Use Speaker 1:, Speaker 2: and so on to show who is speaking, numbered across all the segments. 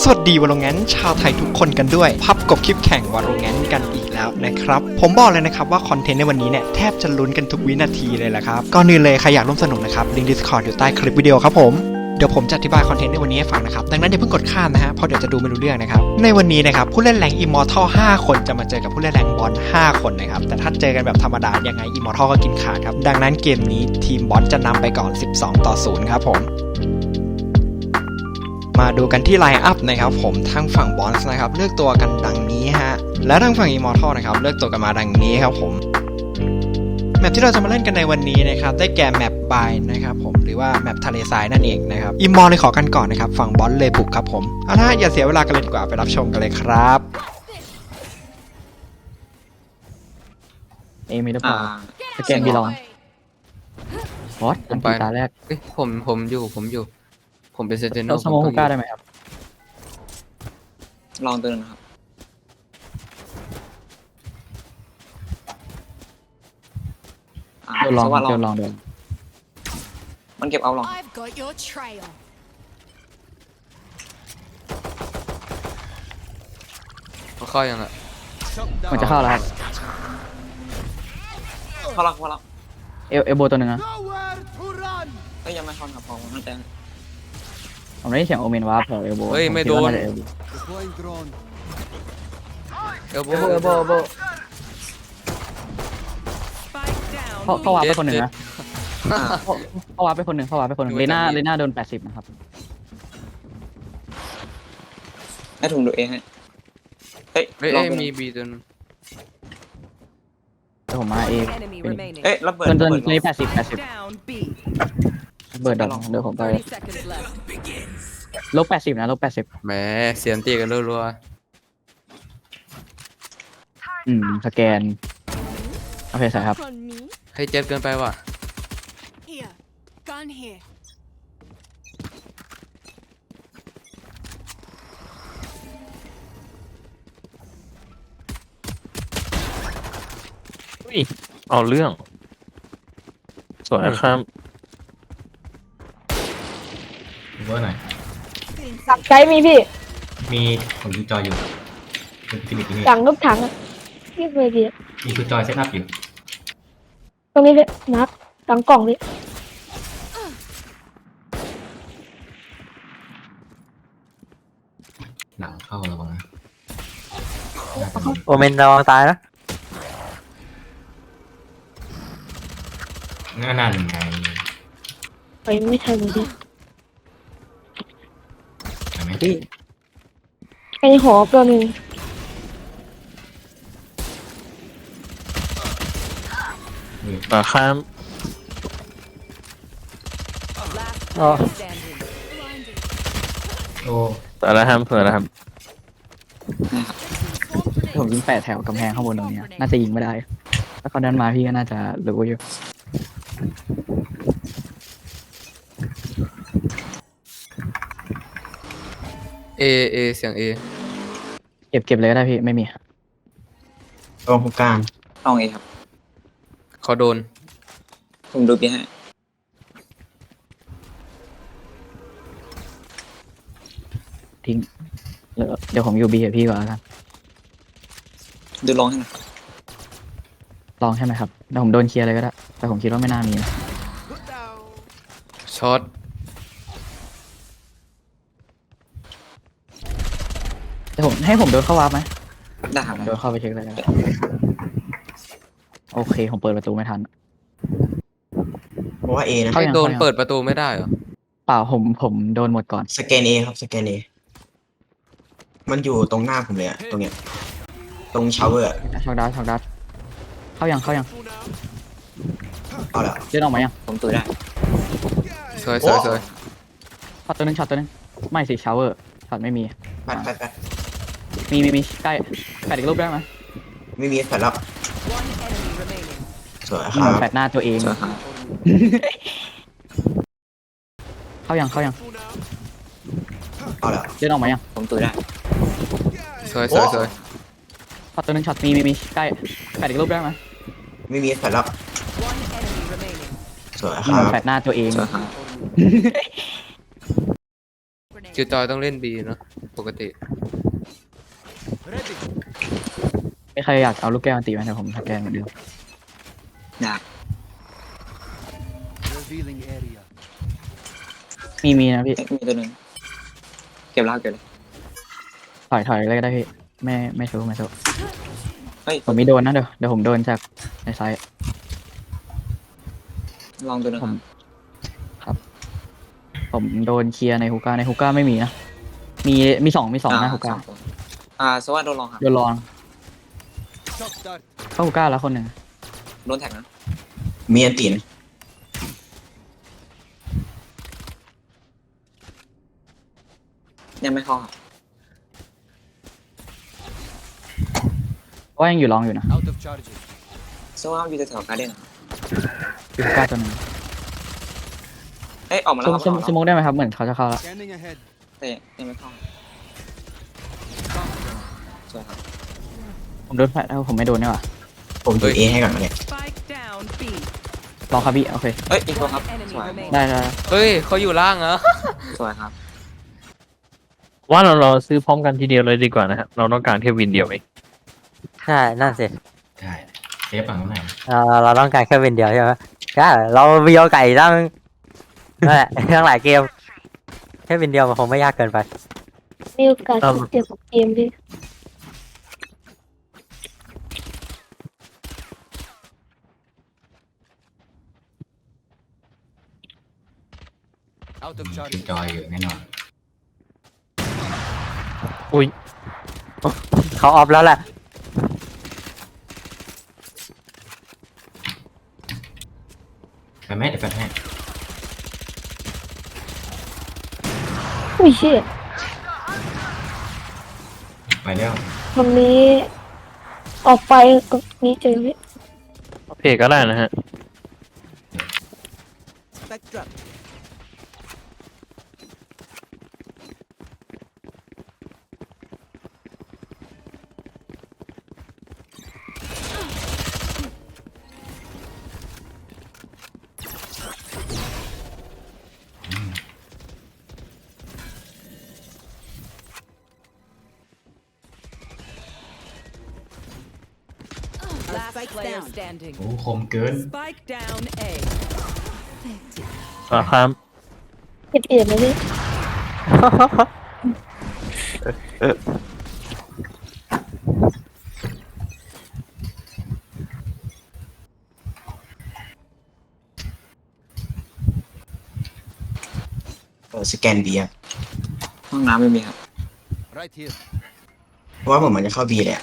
Speaker 1: วัสดีวาโลแรนต์ชาวไทยทุกคนกันด้วยพับกบคลิปแข่งวาโลแรนต์กันอีกแล้วนะครับผมบอกเลยนะครับว่าคอนเทนต์ในวันนี้เนี่ยแทบจะลุ้นกันทุกวินาทีเลยแหละครับก่อนอื่นเลยใครอยากร่วมสนุกนะครับลิงก์ Discord อยู่ใต้คลิปวิดีโอครับผมเดี๋ยวผมจะอธิบายคอนเทนต์ในวันนี้ให้ฟังนะครับดังนั้นอย่าเพิ่งกดข้ามนะฮะเพราะเดี๋ยวจะดูไม่รู้เรื่องนะครับในวันนี้นะครับผู้เล่นแรงอิมมอร์ทัล5คนจะมาเจอกับผู้เล่นแรงบอล5คนนะครับแต่ถ้าเจอกันแบบธรรมดายังไงอิมมอร์ทัลก็กินขาดครับดังนั้นเกมนี้ทีมบอลจะนำไปก่อน12-0ครับผมมาดูกันที่ไลน์อัพนะครับผมทางฝั่งบอลส์นะครับเลือกตัวกันดังนี้ฮะและทางฝั่งอิมมอร์ทัลนะครับเลือกตัวกันมาดังนี้ครับผมแมปที่เราจะมาเล่นกันในวันนี้นะครับได้แก่แมปบายนะครับผมหรือว่าแมปทะเลทรายนั่นเองนะครับอิมมอร์เลยขอกันก่อนนะครับฝั่งบอลเลยบุกครับผมเอาล่ะอย่าเสียเวลากันเลยดีกว่าไปรับชมกันเลยครับ
Speaker 2: มีหรือเปล่าสแกนบีลองวอตอันตีตาแรก
Speaker 3: ผมอยู่ผมเป็นเซนติเนล
Speaker 2: เราสโมฮูก้าได้ไหมครับ
Speaker 4: ลองตัวนึงนะครับ
Speaker 2: เดี๋ยวลองเดี๋ยวลองเดี๋ยว
Speaker 4: มันเก็บเอาลอง
Speaker 5: I've got your trail.
Speaker 3: เขาเข้ายังอะ
Speaker 2: มันจะเข้าแล้วครับ
Speaker 4: พอแล้ว
Speaker 2: เอลโบตัวหนึ่งนะ
Speaker 4: ก็ยังไม่เข้าครับพอมันแต่
Speaker 2: ผมได้ยินเสียงโอเมนวาร์ปเอลโบ
Speaker 3: เฮ้ยไม่โดน
Speaker 2: เอลโบ
Speaker 3: เอลโบ
Speaker 2: เขาวาร์ปไปคนหนึ่งนะเขาวาร์ปไปคนหนึ่งเลน่าโดน80นะครับ
Speaker 4: ให้ถุงดูเองให้เฮ้ย
Speaker 3: เฮ้ย
Speaker 4: ลอง
Speaker 3: มีบีตัวนึง
Speaker 2: แต่ผมมาเอง
Speaker 5: Enemy remaining.
Speaker 4: เอ้ยระเบิด
Speaker 2: เดิน
Speaker 4: ระเบิด
Speaker 2: ตัวนี้80
Speaker 5: Down B.
Speaker 2: เบิร์ดดอกเดี๋ยวผมไป
Speaker 5: 30 seconds left.
Speaker 2: ลบ80นะลบ80
Speaker 3: แหมเสียงตีกันรัว
Speaker 2: สแกนโอเคใส่ครับ
Speaker 5: On me.
Speaker 3: ๆให้เจ็บเกินไปว่ะ
Speaker 5: Here. Gun here.
Speaker 6: เอาเรื่องสวยครับ
Speaker 7: เวอร์หน่อย
Speaker 8: ถังใช้มีพี่
Speaker 7: มีผมดูจอยอยู่เป็นฟิลิปปินส์
Speaker 8: ถังลูกถังอะพี่เคยพี่
Speaker 7: มีดูจอยเซตอัพอยู่
Speaker 8: ตรงนี้พี่นับถังกล่องพี่
Speaker 7: หลังเข้าระวังนะ
Speaker 6: โอเมนระวังตายนะ
Speaker 7: นั่นไง
Speaker 8: ไปไม่ทันเลยพี่
Speaker 7: เห็นไหม
Speaker 8: ไอหอตัวหนึ่ง
Speaker 6: ข้าม
Speaker 5: Last
Speaker 6: Oh.
Speaker 5: player standing.
Speaker 7: โอ้
Speaker 6: สวยแล้วครับสวยแล้วครับ
Speaker 2: ผมยิง8แถวกำแพงข้างบนตรงนี้น่าจะยิงไม่ได้ถ้าเขาดันมาพี่ก็น่าจะรู้อยู่
Speaker 3: เอเสียงเอ
Speaker 2: เก็บเลยก็ได้พี่ไม่มี
Speaker 7: ตรงกลาง
Speaker 4: ลองเองครับ
Speaker 3: เขาโดน
Speaker 4: ผมดูพี่ให้
Speaker 2: ทิ้งเดี๋ยวผมอยู่บีกับพี่ก่อนแล้วกัน
Speaker 4: ดูลองให้หน่อย
Speaker 2: ลองใช่ไหมครับเดี๋ยวผมโดนเคลียร์เลยก็ได้แต่ผมคิดว่าไม่น่ามีนะ
Speaker 3: ช็อต
Speaker 2: แต่ผมให้ผมโดนเข้าวาร์ปไหม
Speaker 4: ได้ครับ
Speaker 2: โดนเข้าไปเช็คเลยก็ได้โอเคผมเปิดประตูไม่ทัน
Speaker 7: เพราะว่าเอนะ
Speaker 2: เข้ายัง
Speaker 3: โดนเปิดประตูไม่ได้เหรอ
Speaker 2: เปล่าผมโดนหมดก่อน
Speaker 7: สแกนเอครับสแกนเอมันอยู่ตรงหน้าผมเลยอะตรงเนี้ยตรงชาวเวอร์
Speaker 2: ช็อกดัสเข้ายัง
Speaker 7: เอาละ
Speaker 2: เดินออกมายัง
Speaker 4: ผมตัวได้
Speaker 3: สวย
Speaker 2: ช็อตตัวนึงไม่สิชาวเวอร์ช็อตไม่มี
Speaker 7: ปัด
Speaker 2: มีใกล้แปดอีกรูปได้ไหม
Speaker 7: ไม่มีแฟลชแล้ว
Speaker 5: One enemy remaining.
Speaker 7: สวยครับ
Speaker 2: แปดหน้าตัวเอง
Speaker 4: สวยครับ
Speaker 2: เข้ายัง
Speaker 7: เอาละ
Speaker 2: เดินออกมายัง
Speaker 4: ผมตัวได้
Speaker 3: สวย
Speaker 2: ช็อตตัวนึงช็อตมีใกล้แปดอีกรูปได้ไหม
Speaker 7: ไม่มีแฟลชแล้ว
Speaker 5: One enemy remaining.
Speaker 7: สวยครับ
Speaker 2: แปดหน้าตัวเอง
Speaker 4: สวยครับ
Speaker 5: Grenade.
Speaker 3: คิวจอยต้องเล่นบีเนอะปกติ
Speaker 2: ไม่ใครอยากเอาลูกแก้วมาตีไหมแต่ผมสแกนเหมือนเดิม
Speaker 4: อยาก
Speaker 2: มีนะพี่
Speaker 4: มีตัวหนึ่งเก็บแล้วเก็บเลย
Speaker 2: ถอยเลยก็ได้พี่ไม่สู้
Speaker 4: เฮ้ย
Speaker 2: ผมมีโดนนะเดี๋ยวผมโดนจากในไซต์
Speaker 4: ลองตัวหนึงครับ
Speaker 2: ผมโดนเคลียร์ในฮุก้าไม่มีนะมีสองนะฮุก้า
Speaker 4: สองตัวสวัสดีโดนลองครับ
Speaker 2: โดนลองเข้าฮุก้าแล้วคนหนึ่ง
Speaker 4: โดนแท็กนะ
Speaker 7: มีอันตีนะ
Speaker 4: ยังไม่เข้าครับ
Speaker 2: ว่ายังอยู่ลองอยู่นะ
Speaker 4: สวัสดีอยู่แถวๆการ์เด้นครับ
Speaker 2: อยู่ฮุก้าตัวหนึง
Speaker 4: เอ้ยออกมาแล้วครับ
Speaker 2: สโมกได้ไหมครับเหมือนเขาจะเข้าแล้ว
Speaker 4: แต่ยังไม่เข้าสวยครับ
Speaker 2: ผมโดนแฟลชแล้วผมไม่โดนนี่หว่า
Speaker 7: ผมดูเอให้ก่อนมาเนี่ย
Speaker 5: Spike down B.
Speaker 2: ลองครับพี่โอเค
Speaker 4: เอ้ยอีกตัวครับ
Speaker 5: Enemy
Speaker 4: สวย
Speaker 5: remaining.
Speaker 2: ได้
Speaker 3: เฮ้ยเขาอยู่ล่างเหรอ
Speaker 4: สวยครับ
Speaker 6: ว่าเราซื้อพร้อมกันทีเดียวเลยดีกว่านะครับเราต้องการแค่วินเดียวเอง
Speaker 9: ใช่นั่นสิ
Speaker 7: ใช่เอฟฝั่งนู้นไหน
Speaker 9: เราต้องการแค่วินเดียวใช่ไหมก็เรามีโอกาสตั้งนั่นแหละตั้งหลายเกม แค่วินเดียวมันคงไม่ยากเกินไป
Speaker 8: มีโอกาสเจ็บเกมพี่
Speaker 7: คือจอยอยู่แน่นอน
Speaker 6: อุ้ย
Speaker 9: เขาออฟแล้วแหละ
Speaker 7: ไปไหมเดี๋ยวแฟนให้
Speaker 8: อุ้ยเชี่ย
Speaker 7: ไปแล้ว
Speaker 8: วันนี้ออกไปก็นี้เจอพี่
Speaker 6: เพจก็ได้นะฮะ
Speaker 5: Spectrum. Last player standing.
Speaker 7: โอ้คมเกิน
Speaker 5: Spike down A.
Speaker 6: ครับ
Speaker 8: เก็บเอ็ดเลยพี่
Speaker 7: สแกนบีครับ
Speaker 4: ห้องน้ำไม่มีครับ
Speaker 7: เพราะว่าผมมันจะเข้าบีเลยอะ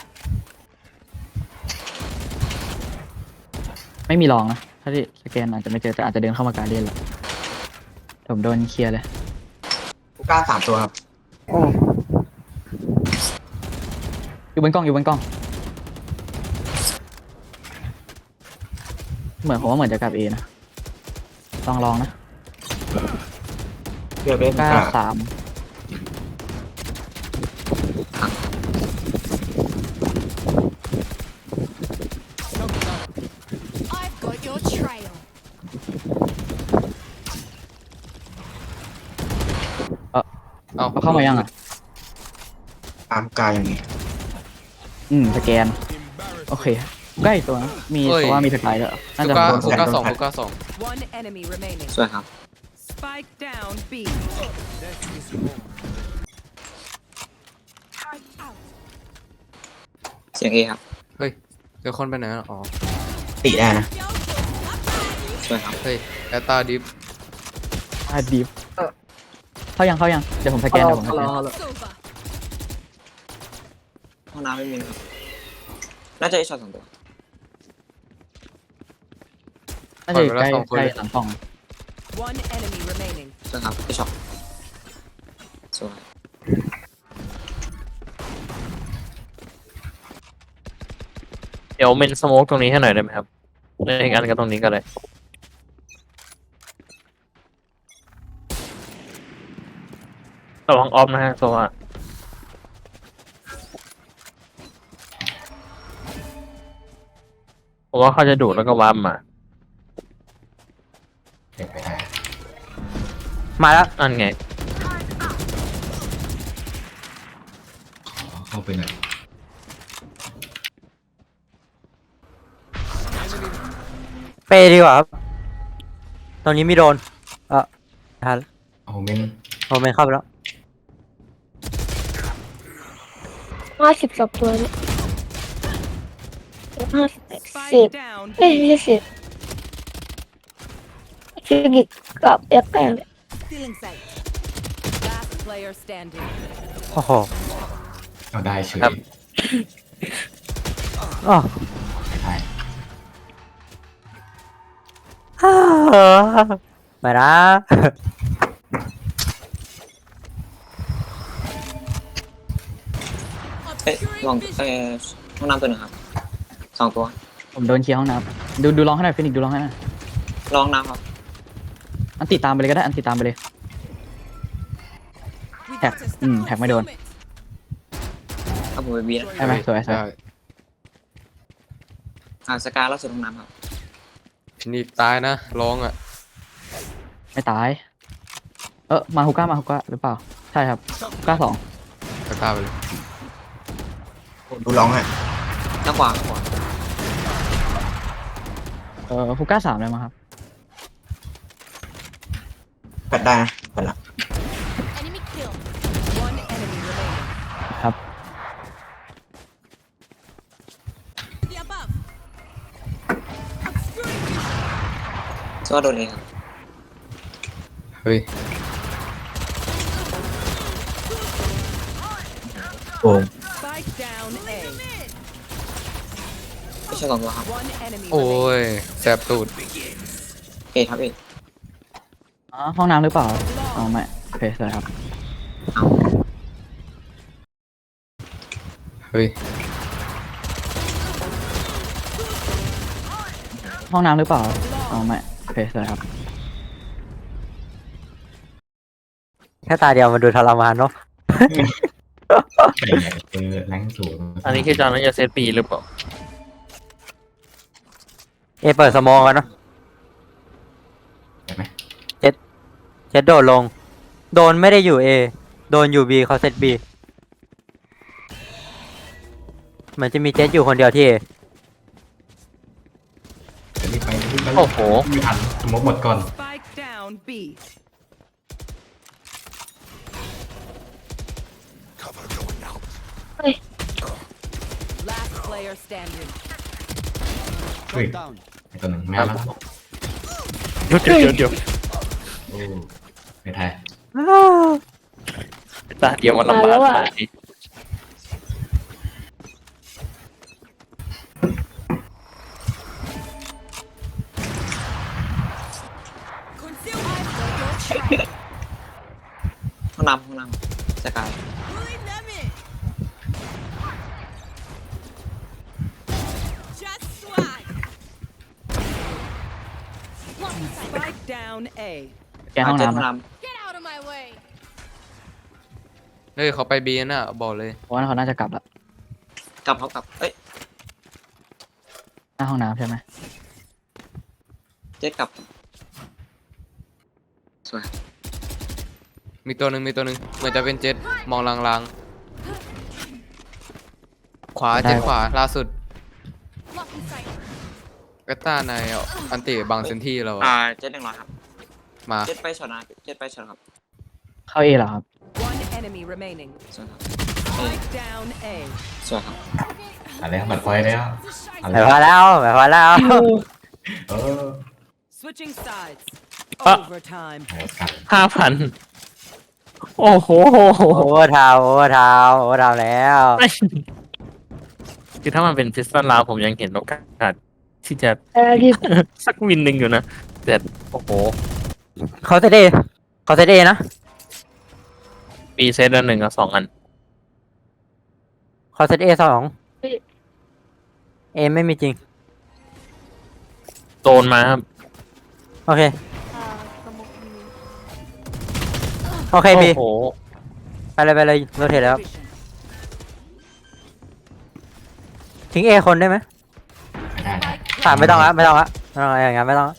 Speaker 2: ไม่มีลองนะถ้าที่สแกนอาจจะไม่เจอแต่อาจจะเดินเข้ามาการเล่นแล้วผมโดนเคลียร์เลย
Speaker 7: กูกล้า3 ตัวครับ
Speaker 2: อยู่บนกล้องเหมือนผมว่าเหมือนจะกลับเอนะลองนะ
Speaker 7: เพื่อไป
Speaker 2: กล้า
Speaker 7: กล้า
Speaker 2: สาม
Speaker 5: I've got your trail.
Speaker 3: เอา
Speaker 2: เขาเข้ามายังอ่ะ
Speaker 7: ตามกล้ายังไง
Speaker 2: สแกนโอเคใกล้ตัวนะมีเพราะว่ามีสกายด้วยน่าจะ
Speaker 3: ฮูก้า2ฮูก้า2
Speaker 5: One enemy remaining.
Speaker 4: สวยครับ
Speaker 5: Spike down B.
Speaker 4: เสียงเอครับ
Speaker 3: เฮ้ยเดี๋ยวคนไปไหนอะอ๋อ
Speaker 7: ติได้นะ
Speaker 4: สวยครับ
Speaker 3: เฮ้ยแอตตาดิฟ
Speaker 2: ดีฟเข้ายังเดี๋ยวผมสแกน
Speaker 5: Silver.
Speaker 4: ห้องน้ำไม่มีครับน่าจะไอช็อต2 ตัว
Speaker 2: น่าจะอยู่ใกล้หลังกล้อง
Speaker 5: One enemy remaining.
Speaker 4: สวยครับไอช็อตสวย
Speaker 6: เดี๋ยวเมนสโมกตรงนี้ให้หน่อยได้ไหมครับเล่นอีกอันกับตรงนี้ก็ได้ระวังออฟนะฮะโซว่าผมว่าเขาจะดูดแล้วก็วาร์ปมา
Speaker 7: เด็กไปได้
Speaker 9: มาแล้ว
Speaker 6: อันไง
Speaker 7: เข้าไปหน่อย
Speaker 9: เปย์ดีกว่าครับตรงนี้มีโดนทัน
Speaker 7: โอ้โหเมน
Speaker 9: โอเมนเข้าไปแล้ว
Speaker 8: 50 ตัวเนี่ย50
Speaker 5: Spike down.
Speaker 8: เอ้ยไม่ใช่10ฟิกิกกับเอ็กแปงเนี่ย
Speaker 5: Stealing sight. Last player standing.
Speaker 9: โอ้โห
Speaker 7: เอาได้เฉย
Speaker 6: ครับ
Speaker 9: อ๋อ
Speaker 7: ไม่ได้
Speaker 9: ไม่นะ
Speaker 4: เอ้ยลองห้องน้ำตัวหนึ่งครับ2 ตัว
Speaker 2: ผมโดนเคลียร์ห้องน้ำดูลองให้หน่อยฟินิกดูลองให้หน่อย
Speaker 4: ลองน้ำครับ
Speaker 2: อันติดตามไปเลยก็ได้อันติดตามไปเลยแท็กแท็กไม่โดน
Speaker 4: เอาผมไปบีนะ
Speaker 2: ใช่ไหมสวย
Speaker 3: ได้
Speaker 4: สกาล่าสุดห้องน้ำครับ
Speaker 3: นี่ตายนะร้องอ่ะ
Speaker 2: ไม่ตายมาฮุก้าหรือเปล่าใช่ครับฮุก้า2
Speaker 3: ก็ตายไปเลย
Speaker 7: ดูร้องอ่ะ
Speaker 4: หน้าขวา
Speaker 2: ฮุก้า3เลยมั้งครับ
Speaker 7: แปดได้นะแปดละ
Speaker 5: Enemy kill. One enemy remaining.
Speaker 2: ครับ
Speaker 5: The above.
Speaker 4: ชื่อว่าโดนเองครับ
Speaker 3: เฮ้ย
Speaker 7: โอ้ง
Speaker 5: Spike down A.
Speaker 4: ไม่ใช่2 ตัวครับ
Speaker 5: One enemy
Speaker 3: โอ้
Speaker 5: remaining.
Speaker 3: ยแสบตูด
Speaker 4: เอครับเอ
Speaker 2: ห้องน้ำหรือเปล่าอ๋อไม่โอเคสวยครับ
Speaker 3: เฮ้ย
Speaker 2: ห้องน้ำหรือเปล่าอ๋อไม่โอเคสวยครับ
Speaker 9: แค่ตาเดียวมันดูทรมานเนาะ
Speaker 7: ไก่ใหญ่เจอแรงสูง
Speaker 6: อันนี้คือจอนนั้นจะเซตปีหรือเปล่า
Speaker 9: เอเปิดสมองกันเนาะ
Speaker 7: เห็นไหม
Speaker 9: เจ็ดโดดลง โดนไม่ได้อยู่เอโดนอยู่บีเขาเซตบีเหมือนจะมีเจ็ดอยู่คนเดียวที่ A
Speaker 7: จะรีบไปรีบไป
Speaker 6: โอ้โห
Speaker 7: ไม่ทันสมมติหมดก่อน
Speaker 5: Spike down B. Last player standing.
Speaker 7: เฮ้ยไอ้ตัวหนึ่งแม่แล้ว
Speaker 6: เดี๋ยว
Speaker 7: โอ้ไม่ทัน
Speaker 6: ตาเดียวมันลำบากขนาดนี้
Speaker 4: ห้องน้ำสกา
Speaker 5: Pulling them in. Just swag. Spike down A.
Speaker 2: แกห้อง
Speaker 4: เจอ
Speaker 2: น้ำ
Speaker 4: ห้อง
Speaker 2: นะ
Speaker 4: น้
Speaker 5: Get out of my way.
Speaker 3: เฮ้ยเขาไปบีน่ะบอกเลย
Speaker 2: เพราะว่าเขาน่าจะกลับละ
Speaker 4: ำกลับเขากลับเอ้ย
Speaker 2: หน้าห้องน้ำใช่ไหม
Speaker 4: เจ๊กลับสวย
Speaker 3: มีตัวหนึ่งเหมือนจะเป็นเจ็ดมองลางๆขวาเจ็ดขวาล่าสุด
Speaker 5: Blocking sight.
Speaker 3: ก็ต้าในอันติบางเซนที่เราอะ
Speaker 4: เจ๊100ครับ
Speaker 3: มา
Speaker 4: เจ๊ไปช็อตนะเจ๊ไปช็อตครับ
Speaker 2: เข้าเอเหรอครับ
Speaker 5: One enemy remaining.
Speaker 4: สวยครับ
Speaker 5: Spike down A.
Speaker 4: สวยครับ
Speaker 7: อะไรบัตรไฟแล้วอะไร
Speaker 9: ไม่พอแล้วไม่พอแล้ว
Speaker 7: เออ
Speaker 5: Switching sides.
Speaker 6: Ah.
Speaker 5: Overtime.
Speaker 7: โหกัด
Speaker 6: 5,000 โอ้โห
Speaker 9: โอเวอร์ทาวแล้ว
Speaker 6: คือถ้ามันเป็นพิสตันลาวผมยังเห็นโอกาสที่จะ
Speaker 8: ที่
Speaker 6: สักวินหนึ่งอยู่นะ แต่โอ้โห
Speaker 9: เขาเซตเอนะ
Speaker 6: ปีเซตละ1 กับ 2 อัน
Speaker 9: เขาเซตเอ2เอไม่มีจริง
Speaker 6: โดนมาครับ
Speaker 9: โอเคโอเค
Speaker 6: โอ้
Speaker 9: บี
Speaker 6: โห
Speaker 9: ไปเลยโรเทตแล้ว ทิ้งเอคนได้ไหม
Speaker 7: ได้
Speaker 9: ไม่ต้องละอย่างงั้นไม่ต้องละ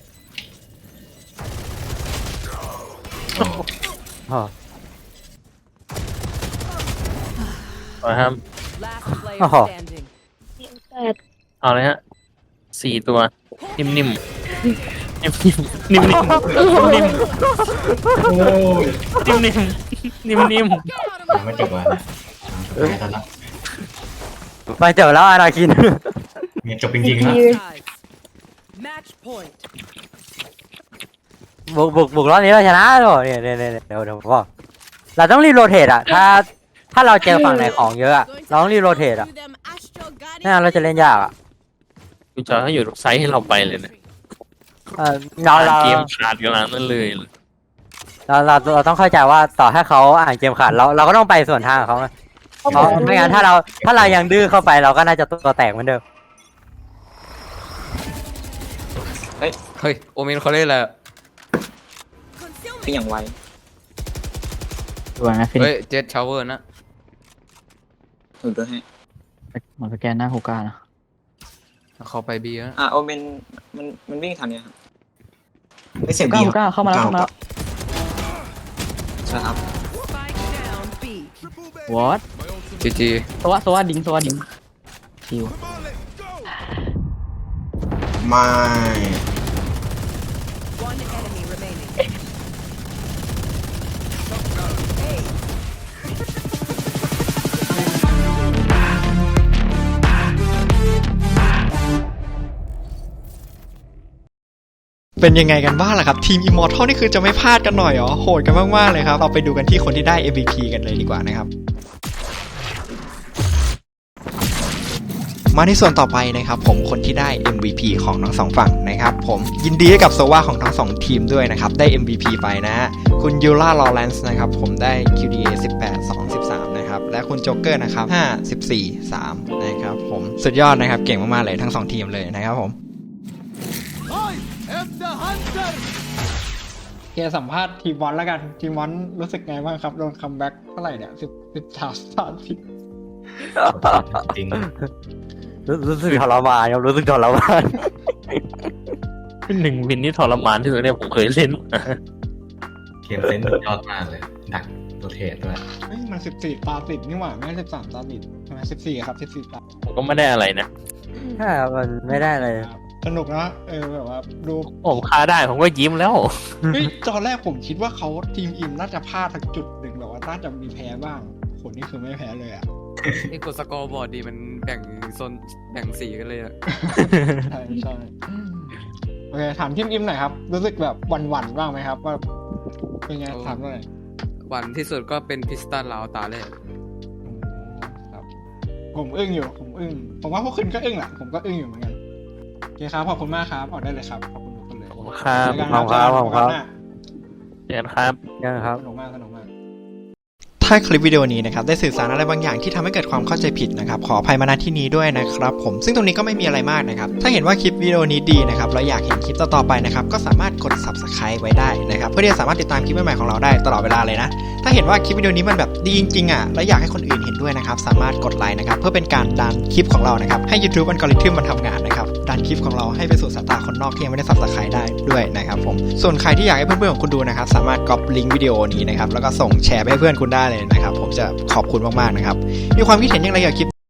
Speaker 9: โอ้
Speaker 6: ครับ
Speaker 5: Last player
Speaker 9: Oh.
Speaker 5: standing.
Speaker 8: แปด
Speaker 6: เอาเลยฮะ4 ตัว นิ่มๆนิ่มๆนิ่มๆนิ่มๆนิ่ม
Speaker 7: โอ้ย
Speaker 6: ๆนิ่มๆนิ่ม
Speaker 7: ยังไม่จบอ่ะนะสุดท้ายแล้ว
Speaker 9: ไปเจอแล้วอาราคิน
Speaker 7: เนี่ยจบจริงๆแล้ว
Speaker 5: Sides. Match point.
Speaker 9: บุกรอบนี้เราชนะหรอเนี่ยเดี๋ยวผมบอกเราต้องรีโรเทตอ่ะ ถ้าเราเจอฝั่งไหนของเยอะอะเราต้องรีโรเทตอ่ะไม่งั้นเราจะเล่นยากอ่ะ
Speaker 6: ๆกูจะให้อยู่ไซส์ให้เราไปเลยนะ
Speaker 9: เรา
Speaker 6: เกมขาดกันแล้วนั่นเลย
Speaker 9: เราต้องเข้าใจว่าต่อให้เขาอ่านเกมขาดเราก็ต้องไปส่วนทางของเขานะเพราะไม่งั้นถ้าเรายังดื้อเข้าไปเราก็น่าจะตัวแตกเหมือนเดิม
Speaker 3: เฮ้ยโอเมนเขาเล่นอะไรอะ
Speaker 4: คืออย่างไว
Speaker 2: ดูนะฟินิ
Speaker 3: เฮ้
Speaker 2: ก
Speaker 3: ยเจ็ดชาวเวอร์นะ
Speaker 4: ถูกด้วยให้
Speaker 2: มันสแกนหน้าฮูก้านะ
Speaker 3: เขาไปบีแล้ว
Speaker 4: โอเมนมันวิ่งทันเนี่ยครับ
Speaker 7: ไม่เสียง
Speaker 2: ฮูก้า
Speaker 7: ดี
Speaker 2: ฮูก้าเข้ามาแล้ว
Speaker 4: ใช่ครับ
Speaker 5: Spike down B.
Speaker 2: what
Speaker 3: จีจี
Speaker 2: โซวะดิงคิว
Speaker 7: ไม่
Speaker 5: One enemy remaining.
Speaker 1: เป็นยังไงกันบ้างล่ะครับทีม Immortal นี่คือจะไม่พลาดกันหน่อยเหรอโหดกันมากๆเลยครับเราไปดูกันที่คนที่ได้ MVP กันเลยดีกว่านะครับมาในส่วนต่อไปนะครับผมคนที่ได้ MVP ของทั้งสองฝั่งนะครับผมยินดีให้กับโซวาของทั้งสองทีมด้วยนะครับได้ MVP ไปนะฮะคุณยูล่าลอเรนซ์นะครับผมได้ QDA 18 2 13นะครับและคุณโจ๊กเกอร์นะครับ5 14 3นะครับผมสุดยอดนะครับเก่งมากๆเลยทั้งสองทีมเลยนะครับผมเกสัมภาษณ์ทีมวอนแล้วกันทีมวอนรู้สึกไงบ้างครับโดนคัมแบ็กเท่าไหร่เนี่ย13
Speaker 7: จริง
Speaker 9: รู้สึกทรมานครับรู้สึกทรมาน
Speaker 6: เป็นหนึ่งวินที่ทรมานที่สุดเนี่ยผมเคยเล่น
Speaker 7: เกมเซนส์สุดยอดมากเลยดักโรเทตด้วย
Speaker 1: เฮ้ยมัน14 ตา 10นี่หว่าไม่ใช่13 ตา 10ใช่ไหม14ครับ14 ตา
Speaker 6: ผมก็ไม่ได้อะไรนะ
Speaker 9: ใช่ครับมันไม่ได้เลย
Speaker 1: สนุกนะแบบว่าดู
Speaker 6: ผมฆ่าได้ผมก็ยิ้มแล้ว
Speaker 1: เฮ้ยตอนแรกผมคิดว่าเขาทีมอิมน่าจะพลาดทักจุดหนึ่งแบบว่าน่าจะมีแพ้บ้างคนนี้คือไม่แพ้เลยอ่ะ
Speaker 3: นี่กดสกอร์บอร์ดดีมันแบ่งโซนแบ่งสีกันเลยอะ
Speaker 1: ใช่ใช่โอเคถามทีมอิมหน่อยครับรู้สึกแบบหวั่นๆบ้างไหมครับว่าเป็นไงถามหน่อย
Speaker 3: วันที่สุดก็เป็นพิสตันลาวตาแรก
Speaker 1: ครับผมอึ้งอยู่ผมว่าพวกคุณก็อึ้งแหละผมก็อึ้งอยู่เหมือนกันโอเคครับขอบคุณมากครับออกได้เลยครับขอบคุณทุกคนเลย
Speaker 6: ขอบคุณครับ
Speaker 1: เจอกัน
Speaker 9: ขอบคุณครับขอบคุณครับ
Speaker 6: เจอกันครับ
Speaker 9: ยังครับ
Speaker 1: สนุกมากถ้าคลิปวิดีโอนี้นะครับได้สื่อสารอะไรบางอย่างที่ทำให้เกิดความเข้าใจผิดนะครับขออภัยมาณที่นี้ด้วยนะครับผมซึ่งตรงนี้ก็ไม่มีอะไรมากนะครับถ้าเห็นว่าคลิปวิดีโอนี้ดีนะครับแล้วอยากเห็นคลิปต่อๆไปนะครับก็สามารถกด Subscribe ไว้ได้นะครับเพื่อที่จะสามารถติดตามคลิปใหม่ๆของเราได้ตลอดเวลาเลยนะถ้าเห็นว่าคลิปวิดีโอนี้มันแบบดีจริงๆอ่ะและอยากให้คนอื่นเห็นด้วยนะครับสามารถกดไลค์นะครับเพื่อเป็นการดันคลิปของเรานะครับให้ YouTube อัลกอริทึมมันทำงานนะครับดันคลิปของเราให้ไปสู่สายตาคนนอกที่ยังไม่ได้ Subscribe ได้ด้วยนะครับผมส่วนใครที่อยากให้เพื่อนๆของคุณดูนะครับสามารถก๊อปลิงก์วิดีโอนี้นะครับแล้วก็ส่งแชร์ไปให้เพื่อนคุณได้เลยนะครับผมจะขอบคุณมากๆนะครับมีความคิดเห็นอย่างไรเกี่ยวกับคลิป